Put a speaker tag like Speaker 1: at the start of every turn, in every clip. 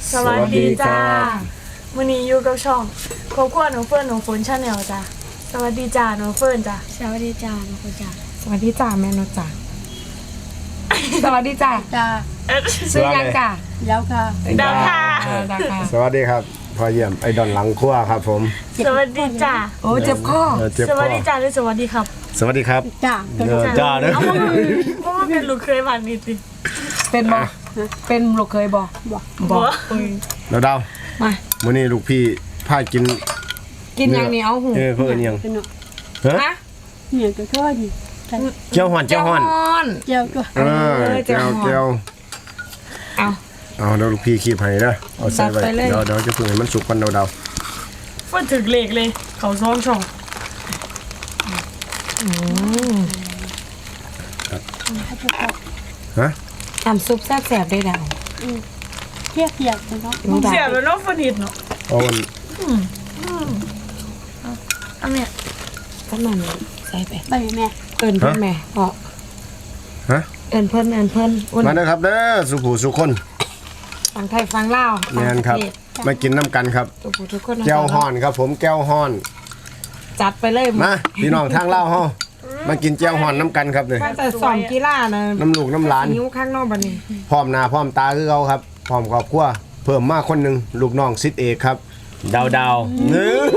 Speaker 1: สวัสดีจ้าวันนี้อยู่กับช่องครอบครัวหนูเฟิร์นหนูฝนชาแนลจ้าสวัสดีจ้าหนูเฟิร์นจ้า
Speaker 2: สวัสดีจ้าน้องจ้า
Speaker 3: สวัสดีจ้าแม่นจ้าสวัสดีจ้า
Speaker 2: จ้า
Speaker 3: ชื่อยังจ้า
Speaker 2: แล้วค่ะ
Speaker 1: ดาวค่ะ
Speaker 3: ดาวค่ะ
Speaker 4: สวัสดีครับพ่อเยี่ยมไอดอนหลังครัวครับผม
Speaker 1: สวัสดีจ้า
Speaker 3: โอ้เจ็บคอ
Speaker 4: เจ็บ
Speaker 1: ส
Speaker 4: ค
Speaker 1: วัส
Speaker 4: อ
Speaker 1: ดีจ้าหรือสวัสดีครับ
Speaker 4: สวัสดีครับ
Speaker 2: จ้า
Speaker 4: จ้าเด้อ
Speaker 1: เพราะว่าเป็นลูกเคยวันนี้ติ
Speaker 3: เป็นบ่เป็นลูกเคยบ่บ่
Speaker 4: แล้วดาว
Speaker 3: มา
Speaker 4: มื้อนี้ลูกพี่พากิน
Speaker 3: กินอย่างนี้เอาหู
Speaker 4: เพิ่นยัง
Speaker 2: เป็น
Speaker 4: ฮะ
Speaker 3: นะ
Speaker 2: เนี่ยก็ก็ดี
Speaker 4: เจียวฮ้อนเจียวฮ้อน
Speaker 2: เจ้าก็
Speaker 4: เจียว
Speaker 3: เอา
Speaker 4: เอาเดี๋ยวลูกพี่คีบให้เด้อเอาใส่ไว้เดี๋ยวจะพึ่งให้มันสุกก่อนดาว
Speaker 1: เฟิร์นถึกเลขเลยเขาซ้อมช่อง
Speaker 4: ฮะ
Speaker 3: ทำซุปแซ่บๆได้ดาว
Speaker 2: เทียบเทียบเนาะ
Speaker 1: เสียบแล้วเนาะเฟิร์นเห็ดเนาะ
Speaker 4: เอามัน
Speaker 1: อันเนี้ย
Speaker 3: ก็มันใส่ไป
Speaker 2: ไปแม่
Speaker 3: เอิ้นเพิ่นแม่เพาะ
Speaker 4: ฮะ
Speaker 3: เอิ้นเพิ่นอุ่น
Speaker 4: มาเด้อครับเด้อสุผู้สุคน
Speaker 3: ฟังไทยฟังลาว
Speaker 4: แม่นครับมากินน้ำกันครับ
Speaker 3: ทุกคน
Speaker 4: แก้วฮ้อนครับผมแก้วฮ้อน
Speaker 3: จัดไปเลย
Speaker 4: มาพี่น้องทางลาวเฮามากินแก้วฮ้อนน้ำกันครับนี่
Speaker 3: ว่าแต่สอนกีฬานะ
Speaker 4: น้ำลูกน้ำหลาน
Speaker 3: นิ้วข้างนอกบัดนี้
Speaker 4: พร้อมหน้าพร้อมตาคือเขาครับพร้อมครอบครัวเพิ่มมาคนหนึ่งลูกน้องซิดเอกครับดาวเนื้อ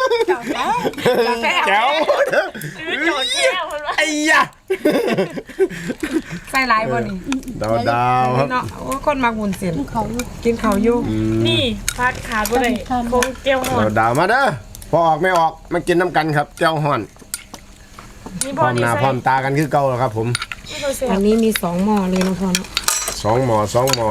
Speaker 4: แก้ว
Speaker 1: โจทย์แก้วมันว่า
Speaker 4: ไอ้ยะ
Speaker 3: ใส่หลายบ่นี่
Speaker 4: ดาวครับ
Speaker 3: เนาะโอ้คนมักบุญเสียน
Speaker 2: เขา
Speaker 3: กินข้าวอยู่
Speaker 1: นี่พักขาดบ่ได้คงแก้วหอด
Speaker 4: ดาวมาเด้อพอออกไม่ออกมากินน้ำกันครับแก้วห่อน
Speaker 1: นี่
Speaker 4: พ
Speaker 1: พ่อ
Speaker 4: ร้อม
Speaker 1: นี่
Speaker 4: หน้า
Speaker 1: ใส่
Speaker 4: พร้อมตากันคือเก่าแล้วครับผม
Speaker 1: นี่เขาเสีย
Speaker 3: อั
Speaker 1: บ
Speaker 3: นนี้มี2หม้อเลยนะพ่อเนาะ
Speaker 4: สองหมอ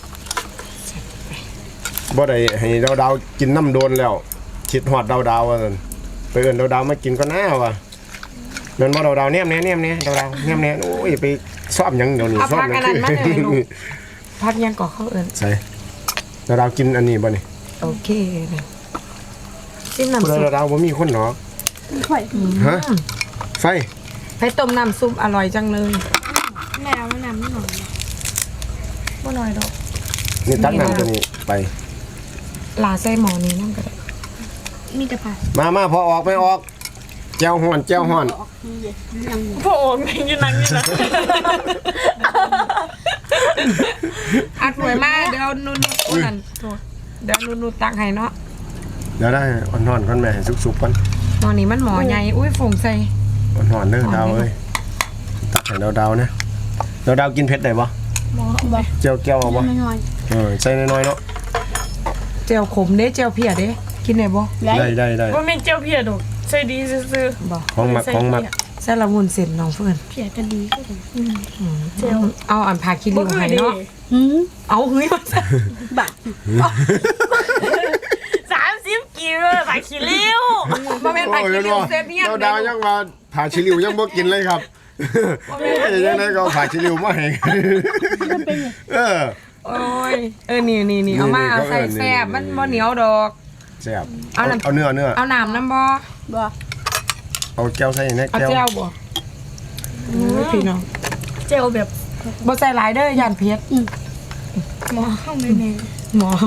Speaker 4: บ่ได้ให้ดาวกินน้ำโดนแล้วคิดฮอดดาวว่าซั่นไปเอิ้นดาวมากินก็น่าว่ะนั่นบ่ดาวเนี่ยดาวเนี่ยโอ้ยไปซ่อมหยังเดี๋ยวนี้
Speaker 3: เอา
Speaker 4: ซ่อม
Speaker 3: พัก
Speaker 4: หยั
Speaker 3: อันนั้นมาเลยลูกพักยังก่อเข้าเอิ้น
Speaker 4: ใส่ดาวกินอันนี้บ่นี่
Speaker 3: โอเคเลยจิ้มน้ำ
Speaker 4: ผู้
Speaker 3: ซุป
Speaker 4: ดาวบ่มีคนหรอก
Speaker 2: ไข่
Speaker 4: ฮะไฟ
Speaker 3: ให้ต้มน้ำซุปอร่อยจังเลย
Speaker 2: แม่ไม่นำไม่หน่อย
Speaker 1: บ่หน่อยดอก
Speaker 4: นี่ตักน้ำตัวนี้ไป
Speaker 3: ลาใส่หม้อนี้นั่นก็ได้
Speaker 2: มีแต่ผัก
Speaker 4: มาพอออกไม่ออกแจ้วห่อน
Speaker 2: ยัง
Speaker 1: พ่อโอนแม่งอยู่นั่นนี่นะ
Speaker 3: อัดหวยมากเดี๋ยวนุ่นๆอุ้ยนั่นโทษเดี๋ยวนุ่นๆตักให้เนาะ
Speaker 4: เดี๋ยวได้อ่อนๆก่อนแม่ให้สุกๆก่อน
Speaker 3: หม้อนี้มันหม้อใหญ่อุ้ยฝงใส่
Speaker 4: อ่อนๆเด้อดาวเอ้ยตักให้ดาวนะดาวกินเผ็ดได้บ่
Speaker 1: หมอ
Speaker 2: บอก
Speaker 4: เจียวแก้วเอาบ่
Speaker 2: ไม่หน่อย
Speaker 4: ใส่น้อยๆเนาะ
Speaker 3: เจียวขมเด้เจียวเพียเด้กินได้บ่
Speaker 2: ไร
Speaker 4: ได้
Speaker 1: ว่าแม่งเจ้าเพียดอกใส่ดีซื่อ
Speaker 3: บ่
Speaker 4: ของมัก
Speaker 1: ใส่
Speaker 4: ของมัก
Speaker 1: เพีย
Speaker 3: ใส่ละมุนเส้นน้องเฟิร์น
Speaker 2: เพียกันดีก็ได้
Speaker 1: เจียว
Speaker 3: เอาอันผักขี้ริ้
Speaker 1: บ่
Speaker 3: ว
Speaker 1: คือ
Speaker 3: ให้
Speaker 1: ดี
Speaker 3: เนาะ เอาเฮ้ยมาใส่
Speaker 2: บะ
Speaker 1: 30กิโลบาทขี้ริ้ว
Speaker 3: บ่แม่นผักขี้ริ้วเส้นเนี่ย
Speaker 4: ดาวยังมาผ่าชิลิวยังบ่กินเลยครับยังไงก็ผ่าชิลิวมาให้เออ
Speaker 3: โอ้ยนี่เอามาเอาใส่แซ่บมันบ่เหนียวดอก
Speaker 4: แซ่บ
Speaker 3: เอาน้ำ
Speaker 4: เอาเนื้อ
Speaker 3: เอาน้ำน้ำบ่
Speaker 2: บอก
Speaker 4: เอาแก้วใส่ใน
Speaker 3: เอา
Speaker 4: แก้ว
Speaker 3: เจียวบ่โอ้ยพี่น้อง
Speaker 1: เจียวแบบ
Speaker 3: บ่ใส่หลายเด้อย่านเผ็ด
Speaker 1: หมอเข้าแม่แม่
Speaker 3: หมอ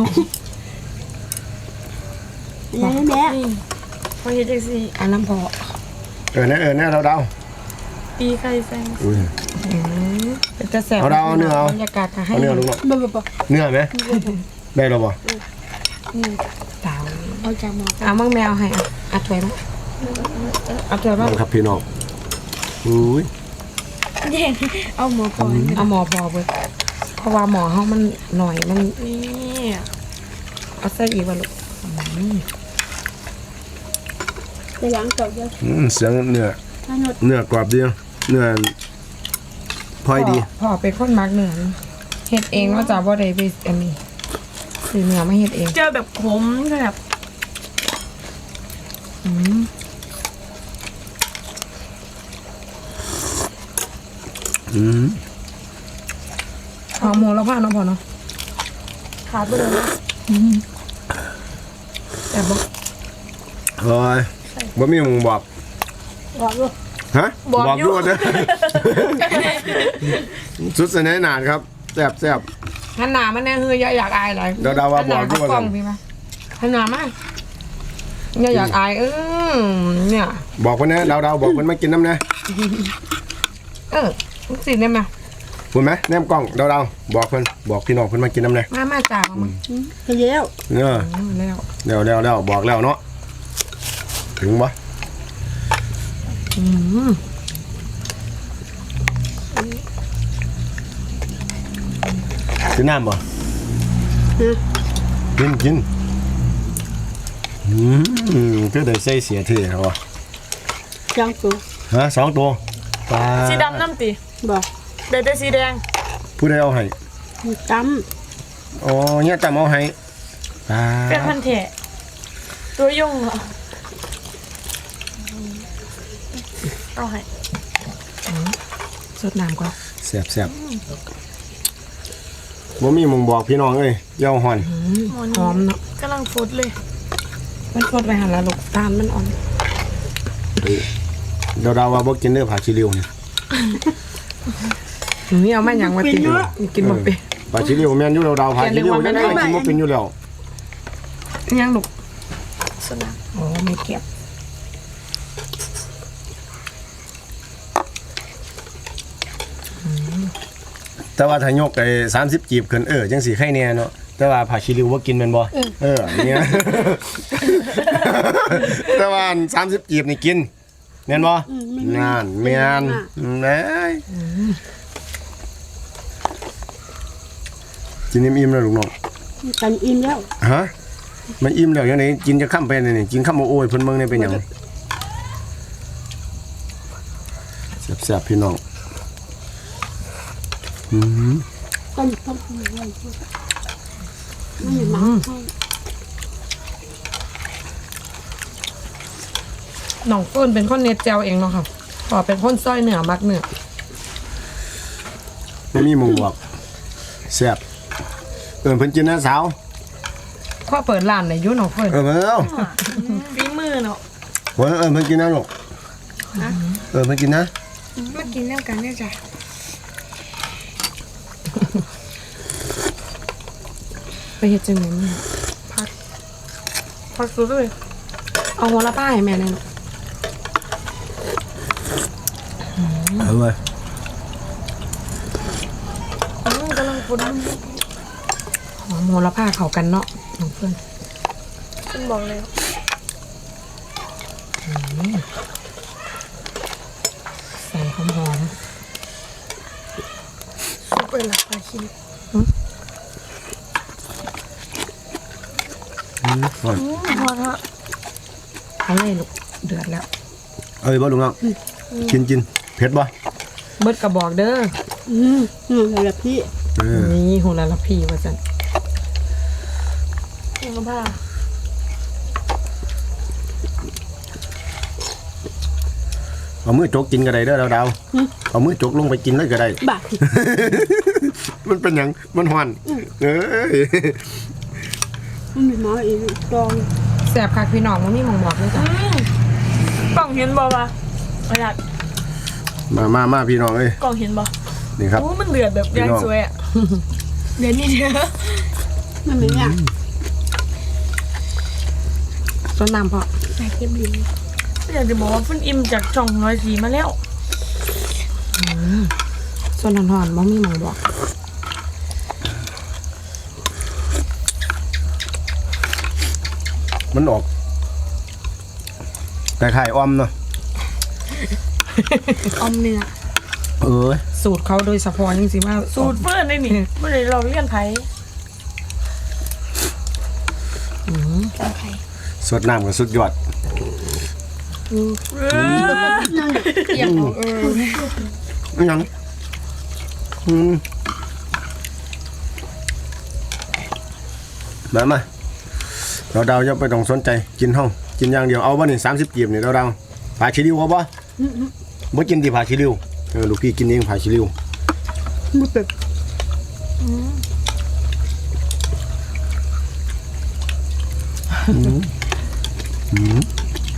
Speaker 2: ยังแม่
Speaker 1: นี่พอเฮ็ดจังซี่
Speaker 3: อันน้ำพอ
Speaker 4: เนี่ยดาว
Speaker 1: ปีไข่ใส่
Speaker 4: อุ้ย
Speaker 3: เป็นจะแซ่บ
Speaker 4: เอาดาวเอาเนื้อเอา
Speaker 3: บรรยากาศก็ให้
Speaker 4: เอาเนื้อลูกเนาะ
Speaker 2: บอก
Speaker 4: เนื้อไหมได้แล้วบ่
Speaker 3: ดาว
Speaker 2: เอาจากหมอ
Speaker 3: เอามั่งแมวให้เอาถ้วยมาเอาถ้วยมา
Speaker 4: ลองครับพี่น้องอุ้ย
Speaker 2: เอาหมอก่อน
Speaker 3: เอาหมอพอเบิดเพราะว่าหมอเฮามันหน่อยมัน
Speaker 1: นี่
Speaker 3: เอาใส่อีกว่าลูก
Speaker 2: จะล้างจบเลย
Speaker 4: เสียงเนื้อ
Speaker 2: ถ้าหนด
Speaker 4: เนื้อกรอบดีเนื้อพลอยดี
Speaker 3: พ่อเป็นคนมักเนื้อเฮ็ดเองว่าจะบ่ได้ไปอันนี้ซื้อเนื้อมาเฮ็ดเอง
Speaker 1: เจอแบบขมแบบ
Speaker 3: เอาหมูแล้วพ่อเนาะพ่อเนาะ
Speaker 1: ขาดไปเลย
Speaker 3: แต่บ่
Speaker 4: เฮ้ยบ่มีมึงบอก
Speaker 2: บอกลูก
Speaker 4: ฮะบอกด้วยนะสุดเสน่ห์หนาดครับแซ่บ
Speaker 3: หันหน้ามันแน่คืออยากอายอะไร
Speaker 4: ดาวว่าบอก
Speaker 3: หันหน้า
Speaker 4: ด้วย
Speaker 3: กล้
Speaker 4: กั
Speaker 3: อง
Speaker 4: น
Speaker 3: พี่มาหันหน้ามาอยากอายเนี่ย
Speaker 4: บอกคนนะดาวบอกคนมากินน้ำนะ
Speaker 3: สิได้ไหม
Speaker 4: พูดไหมแนมกล้องดาวบอกคนบอกพี่น้องคนมากินน้ำนะ
Speaker 3: มาจ่ามา
Speaker 2: ไปแล้ว
Speaker 4: เนี่ย
Speaker 3: แล้ว
Speaker 4: บอกแล้วเนาะถึงปะกินน้ำบ่กินก็ได้ใส่เสียเท่เหรอ
Speaker 2: จังตัว
Speaker 4: ฮะ2 ตัวปลา
Speaker 1: สีดำน้ำตี
Speaker 2: บอก
Speaker 1: ได้แต่สีแดง
Speaker 4: ผู้ใดเอาให้
Speaker 2: มีต
Speaker 4: อ๋อเนี่ยจำเอาให้ปลา
Speaker 1: เป็นพันธุ์แท้ตัวยุ่งเหรอเอาให้
Speaker 3: สดน้ำก่อน
Speaker 4: แซ่บบ่มีมึงบอกพี่น้องเอ้ยเย้าหอน
Speaker 3: หอมเนาะ
Speaker 1: กำลังฟดเลย
Speaker 3: มันสดไปหันละลูกตาลมันอ่อน
Speaker 4: ดาวว่าบ่กินเด้อผักชีริวนี่
Speaker 3: นี่เอามาอย่างมาตีกินบ่เป็น
Speaker 4: ผักชีริวแม่นอยู่ดาวผักชีริวแม่นได้กินบ่เป็นอยู่แล้ว
Speaker 3: ยังลูก
Speaker 1: สนะ
Speaker 3: โอ้ไม่เก็บ
Speaker 4: แต่ว่าถ้ายกไอ้30 จีบขึ้นจังสิไข่แน่เนาะแต่ว่าผักชีริวบ่กินแม่นบ่เนี่ย แต่ว่า30 จีบนี่กินแม่นบ่นั่นแม่นเอ้ยกินอิ่มๆแล้วลูกน้อง
Speaker 2: ำกันอิ่มแล้ว
Speaker 4: ฮะมันอิ่มแล้วยังไงกินจะค่ำไปนี่กินค่ำโอ้ยเพิ่นเบิ่งนี่เป็นหยังแซ่บๆพี่น้อง
Speaker 2: ต้นอะไรไม่มีน้ำ
Speaker 3: น้องเฟิร์นเป็นคนเน็ตแจวเองเนาะค่ะพอเป็นคนซอยเหนือมักเหนือ
Speaker 4: ไม่มีหมึงบอกแซ่บเพิ่นกินนะสาว
Speaker 3: พ่อเปิดร้านในยุน้องเฟิร์น
Speaker 4: เพิ่นเอา
Speaker 1: ฝีมือเนาะ
Speaker 4: เพิ่นกินนะลูกเพิ่นกินนะ
Speaker 2: มากินน้ำกันได้จ้ะ
Speaker 3: ไปเฮ็ดจังได๋แม่
Speaker 1: พอสุดเลย
Speaker 3: เอาหัวละป้าให้แม่แน่น
Speaker 4: เอาเว้ย
Speaker 1: กำลังฟด
Speaker 3: หอมหัวละป้าเข้ากันเนาะน้องเฟิร์น
Speaker 1: ฉันบอกเลย
Speaker 3: ใส่หอม
Speaker 1: ซุปเป็นหลักปลาคิด
Speaker 4: หอน
Speaker 1: พอเถอะ
Speaker 3: ๆเอาเลยลูกเดือดแล้ว
Speaker 4: เอ้ยบ่ลุงเอากินเผ็ดบ่
Speaker 3: เบิดกระบอกเด้อ
Speaker 2: อะไรพี่
Speaker 3: นี่หัวละพี่ว่าซั่น
Speaker 1: เองกับผ้า
Speaker 4: เอามือจกกินก็ได้เด้อดาวเอามือจกลงไปกินเลยก็ได้
Speaker 2: บาท
Speaker 4: มันเป็นหยังมันหอนเอ้ย
Speaker 2: มันมีน้อยอีกกอง
Speaker 3: แซ่บคักพี่น้องบ่มีหม่องบอกเลยจ้ะ
Speaker 1: กล่องเห็นบ่ปะประหยัด
Speaker 4: มาพี่น้องเอ้ย
Speaker 1: กล่องเห็นบ่
Speaker 4: นี่ครับ
Speaker 1: โอ้มันเดือดแบบย่างสวยอ่ะเดือดนี่เด้อ
Speaker 2: มันไม่ยาก
Speaker 3: ต้นน้ำพอ
Speaker 2: ใส่เค็มลิ้น
Speaker 1: อยากจะบอกว่าเพิ่นอิ่มจากช่อง104มาแล้ว
Speaker 3: ส่วนหอนๆบ่มีหม่องบอก
Speaker 4: มันออกแต่ไข่อ้อมเนาะ
Speaker 2: อมเนื้อ
Speaker 3: สูตรเขาโดยเฉพาะจริงๆว่า
Speaker 1: สูตรเฟิร์นได้นี่ไม่ได้เราเรียนไผ
Speaker 4: สดน้ำกับสุดยอด
Speaker 2: อย่าง
Speaker 4: ยังมาเราดาวจะไปต้องสนใจกินห้องกินอย่างเดียวเอาบ่นี่30 กีบนี่เราดาวผาชิริวเอาบ่บ่กินที่ผาชิริวลูกพี่กินเองผาชิริว
Speaker 2: มุดแบบ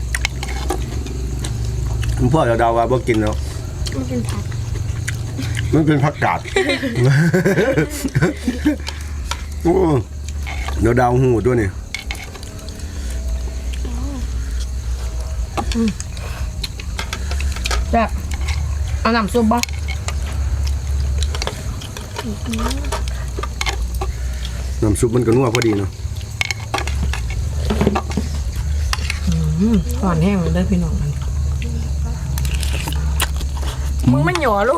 Speaker 4: พ่อเราดาวว่าบ่กินเนาะ
Speaker 2: มันเป็นผัก
Speaker 4: มันเป็นผักกาด โอ้เดี๋ยวดาวหูด้วยนี่
Speaker 3: แบบเอาน้ำซุปบ่
Speaker 4: น้ำซุปมันก็นัวพอดีเนาะ
Speaker 3: ก่อนแห้งเลยเด้อพี่น้องมัน
Speaker 1: มึงมันหยอลูก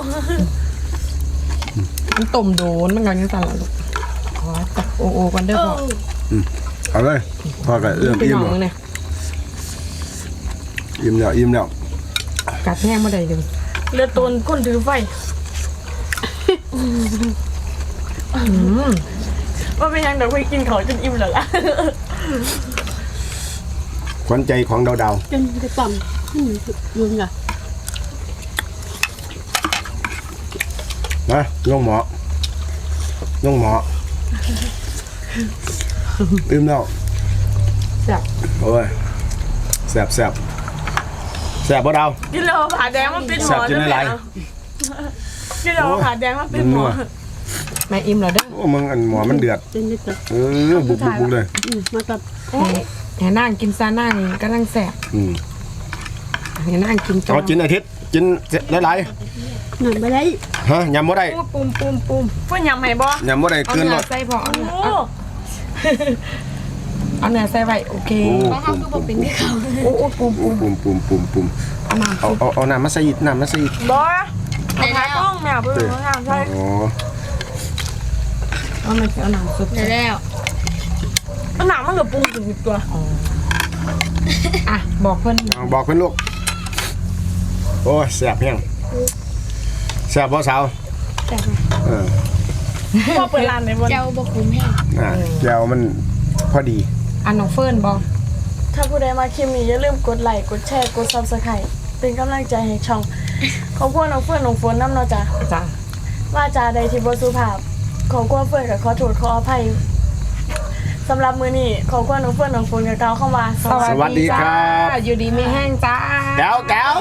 Speaker 3: มันต้มโดนมันก็ยังสั่นละลูกขอตักโอกันเด้อพ่อ
Speaker 4: เอาเลยพอกันเริ่ม
Speaker 3: พี่
Speaker 4: อิ่ม
Speaker 3: น้อง
Speaker 4: แล้ว
Speaker 3: มึงเนี่ย
Speaker 4: อิ่มแล้ว
Speaker 3: กัดแห้งบ่ได้เลย
Speaker 1: เลือดตูนคนถือไฟว่าเป็นยังเดี๋ยวไปกินเขาจนอิ่มแล้วล่ะ
Speaker 4: ขวัญใจของดาว
Speaker 2: จนจะต่ำยืนไง
Speaker 4: ๆนะน้องหมออิ่มแล้ว
Speaker 3: แซ่บ
Speaker 4: โอ้ยแซ่บบ่ดาว
Speaker 1: กินแล้วผ่าแดงมันเป็นหมอ
Speaker 4: แซ่บจนได้หลาย
Speaker 1: กินแล้วผ่าแดงมันเป็นหมอ
Speaker 3: แม่อิ่มแล้วเด้อ
Speaker 4: โอ้มึงอันหมอมันเดือด
Speaker 2: จนจะ
Speaker 4: บุกเลย
Speaker 2: มาตัด
Speaker 3: ให้นั่งกินซานั่งก็นั่งแซ่บให้นั่งกินจอ
Speaker 4: เอากินอาทิตย์กินหลาย
Speaker 2: หนังไปได้
Speaker 4: ๆฮะยำบ่ได้
Speaker 1: ปุ่มเพื่อนยำให้บ่
Speaker 4: ยำบ่ได้
Speaker 3: เอา
Speaker 4: เกินหม
Speaker 3: เนื้อ
Speaker 4: ด
Speaker 3: ใส่พอเอาเนื้อ
Speaker 1: โอ้
Speaker 3: เอาเนื้อใส่ไว้โอเค
Speaker 4: โอ้ปุ่ม
Speaker 3: เอาน้ำ
Speaker 4: เอาน้ำมาใส่อีก
Speaker 1: บ่เอาขากล้องแมวเพื่อนเขาทำใช่
Speaker 4: อ๋อ
Speaker 3: เอาน้ำเอาน้ำซุป
Speaker 2: ได้แล้ว
Speaker 1: มันหนักมันกับปรุงถึงอีกตัว
Speaker 3: อ่ะบอกเพิ่น
Speaker 4: เอาบอกเพิ่นลูกโอ้ยแซ่บแฮงแซ่บบ่สาวเออ
Speaker 1: พ่อเปิดร้านในบน
Speaker 2: เจ้าบกคุ้มแห้ง
Speaker 4: แก้วมันพอดี
Speaker 3: อันน้องเฟิร์นบอก
Speaker 1: ถ้าผู้ใดมาคลิปนี้อย่าลืมกดไลค์กดแชร์กด Subscribe เป็นกำลังใจให้ช่องขอบคุณน้องเพื่อนน้องฝนน้ำเนาะจ้ะ
Speaker 3: จ้า
Speaker 1: ว่าจาใดที่บ่สุภาพขอความเพื่อนกับขอโทษขออภัยสำหรับมื้อนี้ขอความน้องเพื่อนน้องฝนกับกล่าวเข้ามา
Speaker 4: สวัสดีครับ
Speaker 3: จ้าอยู่ดีไม่แห้งจ้า
Speaker 4: แก้วแก้ว